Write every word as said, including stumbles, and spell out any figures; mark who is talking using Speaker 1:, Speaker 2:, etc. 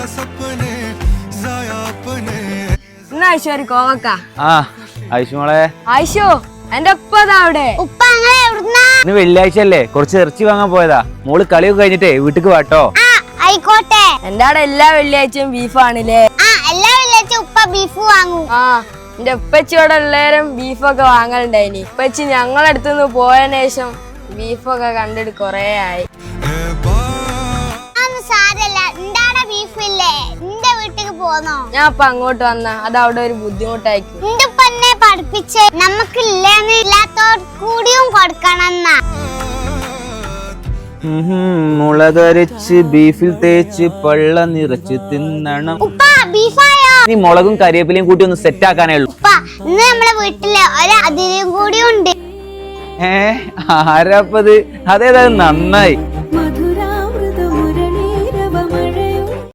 Speaker 1: ഐശ്വര്യ കോവക്ക
Speaker 2: ആ ഐശുമോളെ
Speaker 1: ഐശോ എന്റെ ഉപ്പ അവിടെ
Speaker 3: ഇന്ന്
Speaker 2: വെള്ളിയാഴ്ച അല്ലേ കുറച്ച് ഇറച്ചി വാങ്ങാൻ പോയതാ. മോള് കളിയൊക്കെ കഴിഞ്ഞിട്ടേ വീട്ടിക്ക് വാട്ടോ.
Speaker 3: ആയിക്കോട്ടെ.
Speaker 1: എന്റെ അവിടെ എല്ലാ വെള്ളിയാഴ്ചയും ബീഫാണല്ലേ?
Speaker 3: എല്ലാ വെള്ളിയാഴ്ച ഉപ്പ ബീഫ് വാങ്ങും.
Speaker 1: ആ എന്റെ ഉപ്പച്ചിയോടെ എല്ലാരും ബീഫൊക്കെ വാങ്ങലുണ്ടായിനി. ഉപ്പച്ചി ഞങ്ങളടുത്തുനിന്ന് പോയതിനു ശേഷം ബീഫൊക്കെ കണ്ടിട്ട് കൊറേ ആയി. ഞാൻ ഇപ്പൊ അങ്ങോട്ട് വന്ന അത് അവിടെ ഒരു ബുദ്ധിമുട്ടായിരിക്കും.
Speaker 3: പഠിപ്പിച്ച് നമുക്കില്ലെന്ന് ഇല്ലാത്തവർക്ക് കൂടിയും കൊടുക്കണം.
Speaker 2: മുളകരച്ച് ബീഫിൽ തേച്ച് പള്ള നിറച്ച് തിന്നണം. നീ മുളകും കരിവേപ്പിലയും കൂട്ടി ഒന്ന് സെറ്റ് ആക്കാനേ ഉള്ളൂ.
Speaker 3: ഇന്ന് നമ്മളെ വീട്ടില് ഒരു അതിഥിയും കൂടി ഉണ്ട്.
Speaker 2: ഏ ആരാപ്പത്? അതേതായാലും നന്നായി.